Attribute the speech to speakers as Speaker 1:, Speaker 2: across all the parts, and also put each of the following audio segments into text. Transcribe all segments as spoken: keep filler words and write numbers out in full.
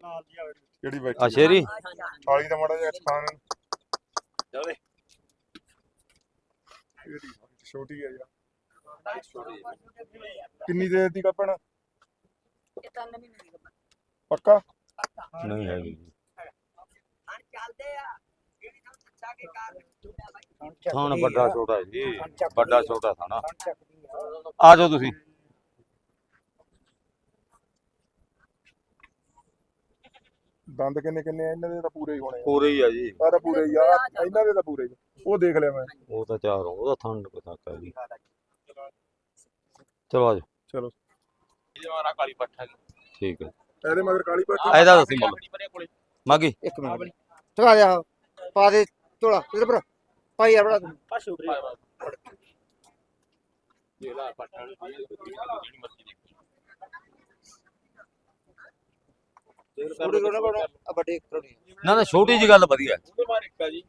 Speaker 1: ਕਿਹੜੀ ਬੈਠੀ
Speaker 2: ਆ ਸ਼ੇਰੀ
Speaker 1: ਥਾਲੀ ਦਾ ਮਾੜਾ ਜਿਹਾ ਖਾਣ
Speaker 3: ਚਲੇ
Speaker 1: ਛੋਟੀ ਹੈ ਯਾਰ ਕਿੰਨੀ ਦੇਰ ਦੀ ਕੱਪਣ ਪੱਕਾ
Speaker 2: ਨਹੀਂ ਹੈਗੀ ਥਾਣ ਵੱਡਾ ਛੋਟਾ ਜੀ ਵੱਡਾ ਛੋਟਾ ਥਾਣਾ ਆ ਜਾਓ ਤੁਸੀਂ
Speaker 1: ਦੰਦ ਕਿੰਨੇ ਕਿੰਨੇ ਆ ਇਹਨਾਂ ਦੇ ਤਾਂ ਪੂਰੇ ਹੀ ਹੋਣੇ ਆ
Speaker 2: ਪੂਰੇ ਹੀ ਆ ਜੀ
Speaker 1: ਆਹ ਤਾਂ ਪੂਰੇ ਹੀ ਆ ਇਹਨਾਂ ਦੇ ਤਾਂ ਪੂਰੇ ਹੀ ਉਹ ਦੇਖ ਲਿਆ ਮੈਂ
Speaker 2: ਉਹ ਤਾਂ ਚਾਰ ਉਹਦਾ ਥਾਣ ਪਤਾ ਕਾ ਜੀ ਚਲੋ ਆ ਜਾਓ
Speaker 1: ਚਲੋ
Speaker 3: ਇਹ ਮਾਰਾ ਕਾਲੀ ਪੱਠਾ
Speaker 2: ਠੀਕ ਹੈ
Speaker 1: ਇਹਦੇ ਮਗਰ ਕਾਲੀ ਪੱਟੀ
Speaker 2: ਇਹਦਾ ਦੱਸੀ ਮੁੱਲ ਮਾਗੀ
Speaker 4: ਇੱਕ ਮਿੰਟ ਚਲਾ ਜਾ ਪਾ ਦੇ ਝੋਲਾ ਇਧਰ ਪਰ ਭਾਈ ਯਾਰ ਬੜਾ
Speaker 3: ਆ ਸ਼ੁਕਰੀ ਇਹ ਲਾ ਪੱਠਾ ਜਿਹੜੀ ਮਰਜ਼ੀ ਦੇਖ
Speaker 4: ਥੋੜੀ ਕੋਣਾ ਬਣਾ ਆ ਵੱਡੇ ਕਰੋਣੀ
Speaker 2: ਨਾ ਨਾ ਛੋਟੀ ਜੀ ਗੱਲ ਵਧੀਆ
Speaker 3: ਉਹਦੇ ਮਾਰ ਇੱਕਾ ਜੀ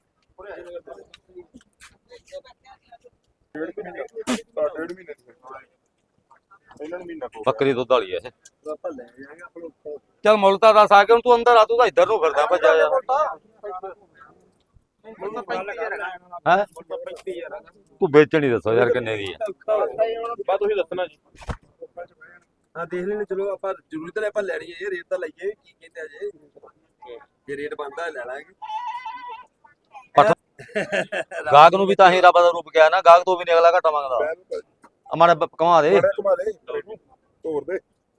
Speaker 1: ਡੇਢ ਮਹੀਨੇ ਆ ਡੇਢ ਮਹੀਨੇ ਦੀ ਇਹਨਾਂ ਨੂੰ ਮਹੀਨਾ ਕੋ
Speaker 2: ਬੱਕਰੀ ਦੁੱਧ ਵਾਲੀ ਐ ਇਹ
Speaker 1: ਆਪਾਂ ਲੈ ਜਾਏਗੇ ਆਪਾਂ
Speaker 2: ਚੱਲ ਮੁੱਲ ਤਾਂ ਦੱਸ ਆ ਕੇ ਹੁਣ ਤੂੰ ਅੰਦਰ ਆ ਤੂੰ ਤਾਂ ਇੱਧਰ ਨੂੰ ਫਿਰਦਾ ਭੱਜਾ ਯਾਰ ਹੈ ਤੂੰ ਵੇਚਣੀ ਦੱਸੋ ਯਾਰ ਕਿੰਨੇ ਦੀ ਹੈ
Speaker 3: ਬਾ ਤੁਸੀਂ ਦੱਸਣਾ ਜੀ
Speaker 5: ਹਾਂ ਦੇਖ ਲੈਣੇ ਚਲੋ ਆਪਾਂ ਜ਼ਰੂਰੀ ਤਾਂ ਆਪਾਂ ਲੈਣੀ ਹੈ ਇਹ ਰੇਟ ਤਾਂ ਲਈਏ ਕੀ ਕਹਿੰਦੇ ਆ ਜੇ ਜੇ ਰੇਟ ਬਣਦਾ ਲੈ ਲਾਂਗੇ
Speaker 2: ਗਾਹਕ ਨੂੰ ਵੀ ਤਾਂ ਹੀ ਰੱਬ ਦਾ ਰੂਪ ਕਿਹਾ ਨਾ ਗਾਹਕ ਤੋਂ ਵੀ ਨਹੀਂ ਅਗਲਾ ਘਟਾ ਮੰਗਦਾ ਅਮਾਰੇ ਕਮਾ ਦੇ
Speaker 1: ਘੁਮਾ ਦੇ ਤੋੜ ਦੇ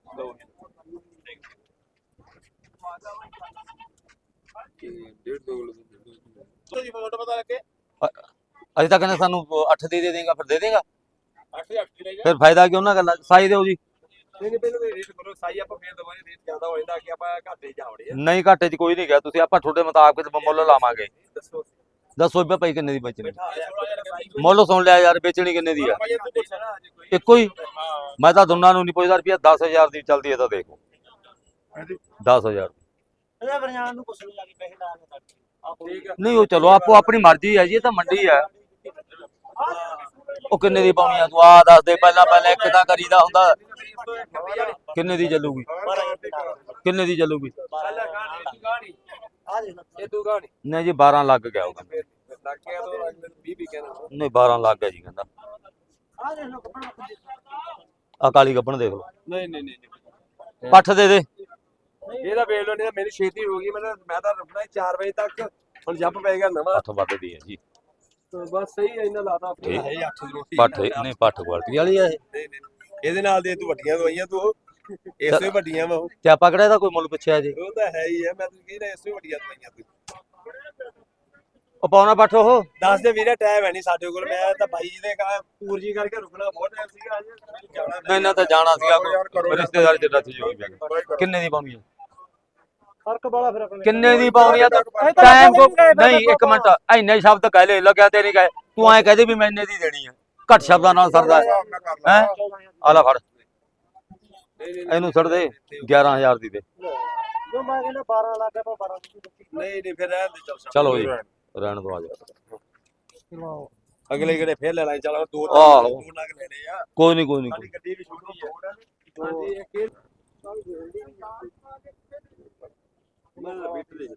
Speaker 5: ਡੇਢ ਦੋ
Speaker 3: ਤੁਸੀਂ ਫੋਟੋ ਪਤਾ ਲੱਗੇ
Speaker 2: ਅਜੇ ਤੱਕ ਕਹਿੰਦੇ ਸਾਨੂੰ ਅੱਠ ਦੇ ਦੇ ਦੇਗਾ ਫਿਰ ਦੇ ਦੇਗਾ
Speaker 3: ਅੱਠ ਅੱਠ ਲੈ ਜਾ
Speaker 2: ਫਿਰ ਫਾਇਦਾ ਕਿਉਂ ਨਾ ਗੱਲਾਂ ਸਾਈ ਦਿਓ ਜੀ
Speaker 5: ਨਹੀਂ ਨਹੀਂ ਪਹਿਲਾਂ ਰੇਟ ਕਰੋ ਸਾਈ ਆਪਾਂ ਫੇਰ ਦਵਾਂਗੇ ਰੇਟ ਜ਼ਿਆਦਾ ਹੋ ਜਾਂਦਾ ਕਿ ਆਪਾਂ ਘਾਟੇ ਜਾਵੜੇ ਆ
Speaker 2: ਨਹੀਂ ਘਾਟੇ 'ਚ ਕੋਈ ਨਹੀਂ ਗਿਆ ਤੁਸੀਂ ਆਪਾਂ ਤੁਹਾਡੇ ਮੁਤਾਬਕ ਮੁੱਲ ਲਾਵਾਂਗੇ
Speaker 5: ਦੱਸੋ
Speaker 2: ਦੱਸੋ ਵੀ ਭਾਈ ਕਿੰਨੇ ਦੀ ਵੇਚਣੀ
Speaker 3: ਸੋਲਾਂ ਹਜ਼ਾਰ ਸਾਈ
Speaker 2: ਮੁੱਲ ਸੁਣ ਲਿਆ ਯਾਰ ਵੇਚਣੀ ਕਿੰਨੇ ਦੀ ਹੈ
Speaker 3: ਭਾਈ ਤੂੰ ਪੁੱਛਣਾ ਅੱਜ ਕੋਈ
Speaker 2: ਇੱਕੋ ਹੀ
Speaker 3: ਹਾਂ
Speaker 2: ਮੈਂ ਤਾਂ ਦੋਨਾਂ ਨੂੰ ਨਹੀਂ ਪੁੱਛਦਾ ਰੁਪਿਆ ਦਸ ਹਜ਼ਾਰ ਦੀ ਚੱਲਦੀ ਹੈ ਤਾਂ ਦੇਖੋ ਦਸ ਹਜ਼ਾਰ
Speaker 4: ਇਹਦਾ ਬਰਜਾਨ ਨੂੰ ਪੁੱਛ ਲਿਆ ਕਿ ਪੈਸੇ ਲਾ ਕੇ
Speaker 5: ਠੀਕ ਆ
Speaker 2: ਨਹੀਂ ਉਹ ਚਲੋ ਆਪੋ ਆਪਣੀ ਮਰਜ਼ੀ ਹੈ ਜੀ ਇਹ ਤਾਂ ਮੰਡੀ ਹੈ ਉਹ ਕਿੰਨੇ ਦੀ ਪਾਉਣੀ ਆ ਤੂੰ ਆ ਦੱਸ ਦੇ ਪਹਿਲਾਂ ਪਹਿਲਾਂ ਇੱਕ ਤਾਂ ਕਰੀਦਾ ਹੁੰਦਾ ਕਿੰਨੇ ਦੀ ਚੱਲੂਗੀ ਕਿੰਨੇ ਦੀ ਚੱਲੂਗੀ
Speaker 4: ਆ ਦੇਖ
Speaker 5: ਇਹ ਤੂੰ ਗਾਣੀ
Speaker 2: ਨਹੀਂ ਜੀ ਬਾਰਾਂ ਲੱਗ ਗਿਆ ਉਹ ਕਹਿੰਦਾ
Speaker 5: ਲੱਗ ਗਿਆ ਤਾਂ ਮੈਨੂੰ ਵੀਹ ਵੀ ਕਹਿਣਾ
Speaker 2: ਨਹੀਂ ਬਾਰਾਂ ਲੱਗ ਗਿਆ ਜੀ ਕਹਿੰਦਾ
Speaker 4: ਆ ਦੇਖ ਲੋ ਕੱਪੜਾ
Speaker 2: ਆ ਕਾਲੀ ਗੱਬਣ ਦੇਖ ਲਓ
Speaker 5: ਨਹੀਂ ਨਹੀਂ ਨਹੀਂ
Speaker 2: ਪੱਠ ਦੇ ਦੇ
Speaker 5: ਇਹਦਾ ਵੇਖ ਲੋ ਨਹੀਂ ਤਾਂ ਮੇਰੀ ਛੇਤੀ ਹੋ ਗਈ ਮੈਂ ਤਾਂ ਮੈਂ ਤਾਂ ਰੁਕਣਾ ਚਾਰ ਵਜੇ ਤੱਕ ਹੁਣ ਜੱਪ ਪਏਗਾ ਨਵਾਂ
Speaker 2: ਪੱਠ ਵੱਧਦੀ ਹੈ ਜੀ
Speaker 5: ਤਾਂ ਬਸ ਸਹੀ ਹੈ ਇਹਨਾਂ ਲਾਤਾ ਆਪਣੇ
Speaker 2: ਠੀਕ।
Speaker 5: ਹੈ ਅੱਠ ਦੀ ਰੋਟੀ
Speaker 2: ਪੱਠ ਨਹੀਂ ਪੱਠ ਕੁਆਲਟੀ ਵਾਲੀ ਆ ਇਹ
Speaker 5: ਨਹੀਂ ਨਹੀਂ ਇਹਦੇ ਨਾਲ ਦੇ ਤੂੰ ਵੱਡੀਆਂ ਦਵਾਈਆਂ ਤੂੰ ਇਸੇ ਹੀ ਵੱਡੀਆਂ ਵਾ ਉਹ
Speaker 2: ਤੇ ਆਪਾਂ ਕਿਹੜਾ ਇਹਦਾ ਕੋਈ ਮੁੱਲ ਪੁੱਛਿਆ ਜੀ
Speaker 5: ਉਹ ਤਾਂ ਹੈ ਹੀ ਹੈ ਮੈਂ ਤੈਨੂੰ ਕਹੀ ਰਿਹਾ ਇਸੇ ਹੀ ਵੱਡੀਆਂ ਦਵਾਈਆਂ ਤੂੰ
Speaker 2: ਉਹ ਪਾਉਣਾ ਪੱਠ ਉਹ
Speaker 5: ਦੱਸ ਦੇ ਵੀਰੇ ਟਾਈਮ ਹੈ ਨਹੀਂ ਸਾਡੇ ਕੋਲ ਮੈਂ ਤਾਂ ਬਾਈ ਜੀ ਦੇ ਕਹਾ ਪੂਰ ਜੀ ਕਰਕੇ ਰੁਕਣਾ ਬਹੁਤ ਟਾਈਮ ਸੀਗਾ ਅੱਜ ਜਾਣਾ
Speaker 2: ਨਹੀਂ ਨਾ ਤਾਂ ਜਾਣਾ ਸੀਗਾ ਕੋਈ ਰਿਸ਼ਤੇਦਾਰ ਚ ਰੱਥ ਜੋ ਕਿੰਨੇ ਦੀ ਪਾਉਣੀ ਆ
Speaker 4: ਫਰਕ ਬੜਾ ਫਿਰ ਆਪਣੇ
Speaker 2: ਕਿੰਨੇ ਦੀ ਪਾਉਣੀ ਆ ਟਾਈਮ ਕੋ ਨਹੀਂ ਇੱਕ ਮਿੰਟ ਇੰਨੇ ਸ਼ਬਦ ਕਹਿ ਲੈ ਲੱਗਿਆ ਤੇ ਨਹੀਂ ਕਹੇ ਤੂੰ ਐ ਕਹਦੇ ਵੀ ਮੈਂ ਇੰਨੇ ਦੀ ਦੇਣੀ ਆ ਘੱਟ ਸ਼ਬਦਾਂ ਨਾਲ ਸਰਦਾ ਹੈ ਆ ਲੈ ਫੜ ਇਹਨੂੰ ਛੱਡ ਦੇ ਗਿਆਰਾਂ ਹਜ਼ਾਰ ਦੀ ਦੇ
Speaker 4: ਜੋ ਮੈਂ ਕਹਿੰਦਾ ਬਾਰਾਂ ਲੱਖ ਆਪਾਂ ਬਾਰਾਂ ਦੀ
Speaker 5: ਨਹੀਂ ਨਹੀਂ ਫਿਰ ਰਹਿਣ ਦੇ ਚੱਲ
Speaker 2: ਚਲੋ ਜੀ ਰਹਿਣ ਦੋ ਆ ਜਾ
Speaker 4: ਚਲੋ
Speaker 5: ਅਗਲੇ ਕਿਹੜੇ ਫੇਰ ਲੈ ਲਾਂਗੇ ਚੱਲ ਦੋ
Speaker 2: ਆਹੋ।
Speaker 5: ਦੋ ਲੱਖ ਲੈਣੇ ਆ
Speaker 2: ਕੋਈ ਨਹੀਂ ਕੋਈ ਨਹੀਂ
Speaker 5: ਸਾਡੀ ਗੱਡੀ ਵੀ ਛੋਟੀ ਹੈ ਹਾਂਜੀ ਇੱਕ ਇਹ ਮੈਂ ਬੀਟ ਲੈ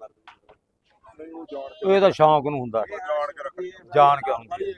Speaker 5: ਜਾਣਾ
Speaker 2: ਇਹ ਤਾਂ ਸ਼ੌਂਕ ਨੂੰ ਹੁੰਦਾ
Speaker 1: ਜਾਣ ਕੇ ਰੱਖ
Speaker 2: ਜਾਣ ਕੇ ਹੁੰਦੀ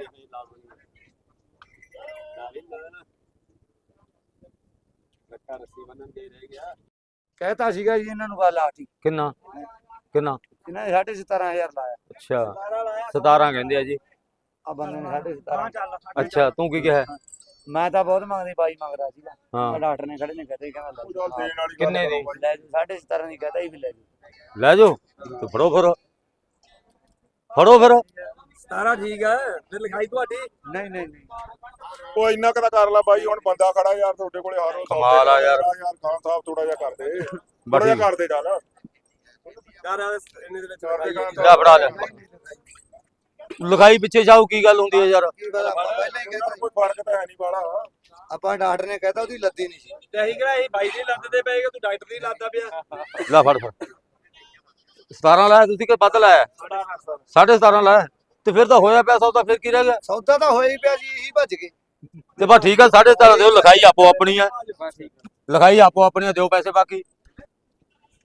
Speaker 5: ਲੱਕਾ ਰੱਸੀ ਬੰਨਣ ਦੇ ਰਹਿ ਗਿਆ
Speaker 4: ਕਹਿਤਾ ਸੀਗਾ ਜੀ ਇਹਨਾਂ ਨੂੰ ਗੱਲ ਆਤੀ
Speaker 2: ਕਿੰਨਾ ਕਿੰਨਾ
Speaker 4: ਇਹਨਾਂ ਨੇ ਸਾਢੇ ਸਤਾਰਾਂ ਹਜ਼ਾਰ ਲਾਇਆ
Speaker 2: ਅੱਛਾ ਸਤਾਰਾਂ ਕਹਿੰਦੇ ਆ ਜੀ
Speaker 4: ਆ ਬੰਦੇ ਨੇ ਸਾਢੇ ਸਤਾਰਾਂ
Speaker 2: ਅੱਛਾ ਤੂੰ ਕੀ ਕਿਹਾ
Speaker 4: ਮੈਂ ਤਾਂ ਬਹੁਤ ਮੰਗਦੀ ਬਾਈ ਮੰਗਦਾ ਸੀਗਾ
Speaker 2: ਹਾਂ
Speaker 4: ਡਾਕਟਰ ਨੇ ਖੜੇ ਨੇ ਕਹਤੇ ਕਹਿੰਦਾ ਲੈ
Speaker 1: ਚੱਲ ਦੇਣ ਵਾਲੀ
Speaker 2: ਕਿੰਨੇ ਦੀ
Speaker 4: ਲੈ ਜੀ ਸਾਢੇ ਸਤਾਰਾਂ ਦੀ ਕਹਤਾ ਹੀ ਵੀ ਲੈ ਜੀ
Speaker 2: ਲੈ ਜਾਓ ਤੇ ਫੜੋ ਫਿਰ ਫੜੋ ਫਿਰ
Speaker 5: ਸਤਾਰਾਂ ਠੀਕ ਹੈ ਫਿਰ ਲਿਖਾਈ ਤੁਹਾਡੀ
Speaker 4: ਨਹੀਂ ਨਹੀਂ ਨਹੀਂ
Speaker 1: ਉਹ ਇੰਨਾ ਕੁ ਤਾਂ ਕਰ ਲਾ ਬਾਈ ਹੁਣ ਬੰਦਾ ਖੜਾ ਯਾਰ ਤੁਹਾਡੇ ਕੋਲੇ ਹਰ ਰੋਜ਼
Speaker 2: ਕਮਾਲ ਆ ਯਾਰ।
Speaker 1: ਯਾਰ ਖਾਨ ਸਾਹਿਬ ਥੋੜਾ ਜਿਹਾ ਕਰਦੇ
Speaker 2: ਬਸ
Speaker 1: ਥੋੜਾ ਜਿਹਾ
Speaker 2: ਠੀਕ।
Speaker 1: ਕਰਦੇ ਚੱਲ
Speaker 5: ਯਾਰ ਇਹਨੇ ਦੇ ਵਿੱਚ
Speaker 1: ਕਰਦੇ
Speaker 5: ਲਿਖਾਈ
Speaker 1: ਖਾਨ
Speaker 2: ਲੈ ਫੜਾ ਲੈ ਲਿਖਾਈ ਪਿੱਛੇ ਜਾਊ ਕੀ ਗੱਲ ਹੁੰਦੀ ਹੈ ਯਾਰ
Speaker 1: ਕੋਈ ਫਰਕ ਤਾਂ ਹੈ ਨਹੀਂ ਬਾਲਾ
Speaker 4: ਆਪਾਂ ਡਾਕਟਰ ਨੇ ਕਹਿਤਾ ਉਹਦੀ ਲੱਦੀ ਨਹੀਂ ਸੀ
Speaker 5: ਤੇ ਅਸੀਂ ਕਿਹਾ ਅਸੀਂ ਬਾਈ ਦੀ ਲੱਤ ਤੇ ਪਏਗਾ ਤੂੰ ਡਾਕਟਰ ਦੀ ਲੱਤ ਪਿਆ
Speaker 2: ਲੈ ਫੜ ਫੜ ਸਤਾਰਾਂ ਲਾਇਆ ਤੁਸੀਂ ਕਿ ਵੱਧ ਲਾਇਆ ਸਾਢੇ ਸਤਾਰਾਂ ਲਾਇਆ ਤੇ ਫਿਰ ਤਾਂ ਹੋਇਆ ਪਿਆ ਸੌਦਾ ਫਿਰ ਕੀ ਰਹਿ ਗਿਆ
Speaker 4: ਸੌਦਾ ਤਾਂ ਹੋਇਆ ਹੀ ਪਿਆ ਜੀ ਇਹੀ ਭੱਜ ਗਏ
Speaker 2: ਤੇ ਬਸ ਠੀਕ ਆ ਸਾਢੇ ਸਤਾਰਾਂ ਦਿਓ ਲਿਖਾਈ ਆਪੋ ਆਪਣੀ ਆ ਲਿਖਾਈ ਆਪੋ ਆਪਣੀ ਆ ਦਿਓ ਪੈਸੇ ਬਾਕੀ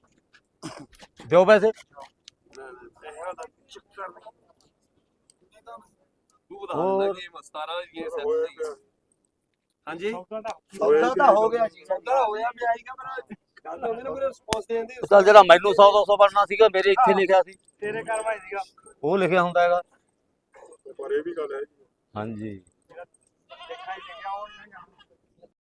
Speaker 2: ਦਿਓ ਪੈਸੇ
Speaker 5: ਤੂੰ ਬਤਾ ਦਿੰਦਾ ਕਿ ਸਤਾਰਾਂ ਦੀ
Speaker 1: ਹੋਇਆ
Speaker 5: ਸੈਟ
Speaker 1: ਪਿਆ।
Speaker 5: ਹਾਂਜੀ
Speaker 4: ਸੌਦਾ ਤਾਂ ਹੋ ਗਿਆ ਜੀ
Speaker 5: ਸੌਦਾ ਹੋਇਆ ਮੈਂ ਆਈਗਾ ਪਰ ਗੱਲ ਤਾਂ ਉਹਨੇ ਨਾ ਕੋਈ ਰਿਸਪੌਂਸ ਦੇਣ ਦੀ
Speaker 2: ਚੱਲ ਜਿਹੜਾ ਮੈਨੂੰ ਸੌ ਦੋ ਸੌ ਬਣਨਾ ਸੀਗਾ ਮੇਰੇ ਇੱਥੇ ਲਿਖਿਆ ਸੀ
Speaker 4: ਤੇਰੇ ਘਰ ਭਾਈ ਸੀਗਾ
Speaker 2: ਉਹ ਲਿਖਿਆ ਹੁੰਦਾ ਹੈਗਾ
Speaker 1: ਪਰ ਇਹ ਵੀ ਗੱਲ ਹੈ ਜੀ।
Speaker 2: ਹਾਂਜੀ